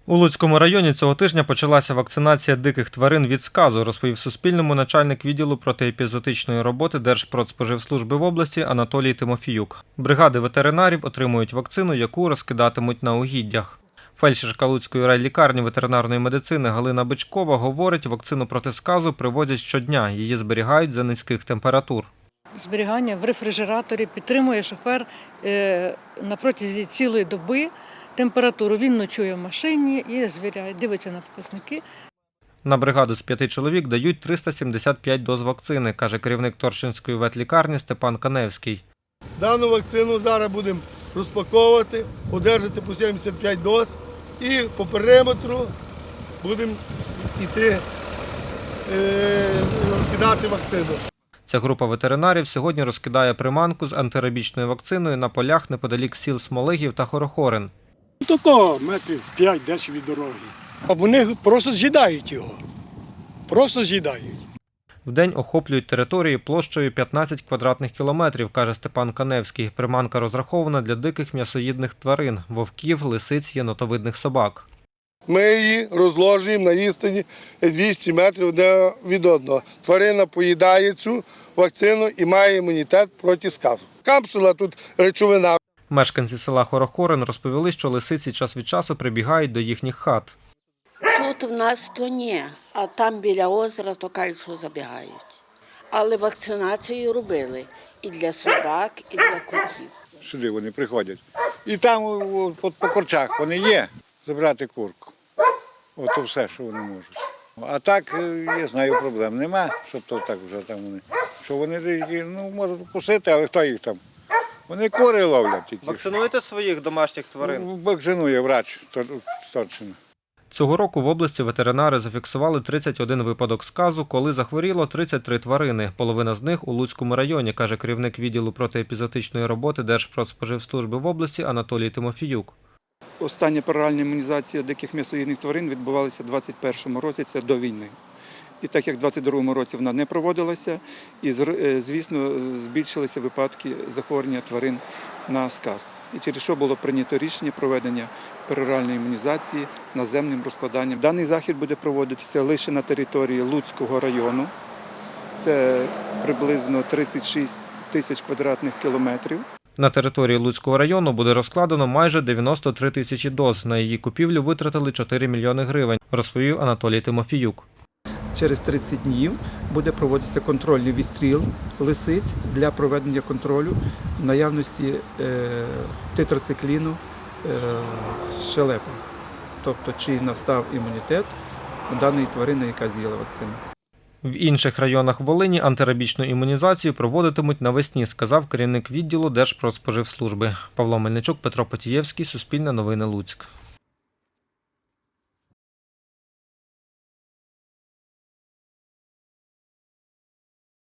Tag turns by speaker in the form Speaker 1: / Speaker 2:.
Speaker 1: У Луцькому районі цього тижня почалася вакцинація диких тварин від сказу, розповів Суспільному начальник відділу протиепізоотичної роботи Держпродспоживслужби в області Анатолій Тимофіюк. Бригади ветеринарів отримують вакцину, яку розкидатимуть на угіддях. Фельдшерка Луцької райлікарні ветеринарної медицини Галина Бичкова говорить, вакцину проти сказу привозять щодня, її зберігають за низьких температур.
Speaker 2: Зберігання в рефрижераторі підтримує шофер на протязі цілої доби температуру. Він ночує в машині і звіряє, дивиться на показники.
Speaker 1: На бригаду з 5 чоловік дають 375 доз вакцини, каже керівник Торщинської ветлікарні Степан Каневський.
Speaker 3: Дану вакцину зараз будемо розпаковувати, одержати по 75 доз і по периметру будемо йти розкидати вакцину.
Speaker 1: Ця група ветеринарів сьогодні розкидає приманку з антирабічною вакциною на полях неподалік сіл Смолигів та Хорохорин.
Speaker 4: Такого метрів 5-10 від дороги. А вони просто з'їдають його. Просто з'їдають.
Speaker 1: Вдень охоплюють території площею 15 квадратних кілометрів, каже Степан Каневський. Приманка розрахована для диких м'ясоїдних тварин – вовків, лисиць, єнотовидних собак.
Speaker 3: Ми її розложуємо на відстані 200 метрів одне від одного. Тварина поїдає цю вакцину і має імунітет проти сказу. Капсула тут речовина.
Speaker 1: Мешканці села Хорохорин розповіли, що лисиці час від часу прибігають до їхніх хат.
Speaker 5: Тут в нас то ні, а там біля озера то кажуть, що забігають. Але вакцинацію робили і для собак, і для котів.
Speaker 6: Сюди вони приходять. І там по корчах вони є, забрати курку. Ото все, що вони можуть. А так, я знаю, проблем нема, щоб то так вже там вони. Що вони можуть вкусити, але хто їх там? Вони кури ловлять тільки.
Speaker 1: Вакцинуєте своїх домашніх тварин?
Speaker 6: Вакцинує врач Торчина.
Speaker 1: Цього року в області ветеринари зафіксували 31 випадок сказу, коли захворіло 33 тварини. Половина з них у Луцькому районі, каже керівник відділу протиепізоотичної роботи Держпродспоживслужби в області Анатолій Тимофіюк.
Speaker 7: Остання пероральна імунізація диких м'ясоїдних тварин відбувалася у 2021 році, це до війни. І так як у 2022 році вона не проводилася, і, звісно, збільшилися випадки захворювання тварин на сказ. І через що було прийнято рішення проведення пероральної імунізації наземним розкладанням. Даний захід буде проводитися лише на території Луцького району. Це приблизно 36 тисяч квадратних кілометрів.
Speaker 1: На території Луцького району буде розкладено майже 93 тисячі доз. На її купівлю витратили 4 мільйони гривень, розповів Анатолій Тимофіюк.
Speaker 7: Через 30 днів буде проводитися контрольний відстріл лисиць для проведення контролю наявності тетрацикліну щелепи. Тобто, чи настав імунітет у даної тварини, яка з'їла вакцину.
Speaker 1: В інших районах Волині антирабічну імунізацію проводитимуть навесні, сказав керівник відділу Держпродспоживслужби. Павло Мельничук, Петро Потієвський, Суспільне новини Луцьк.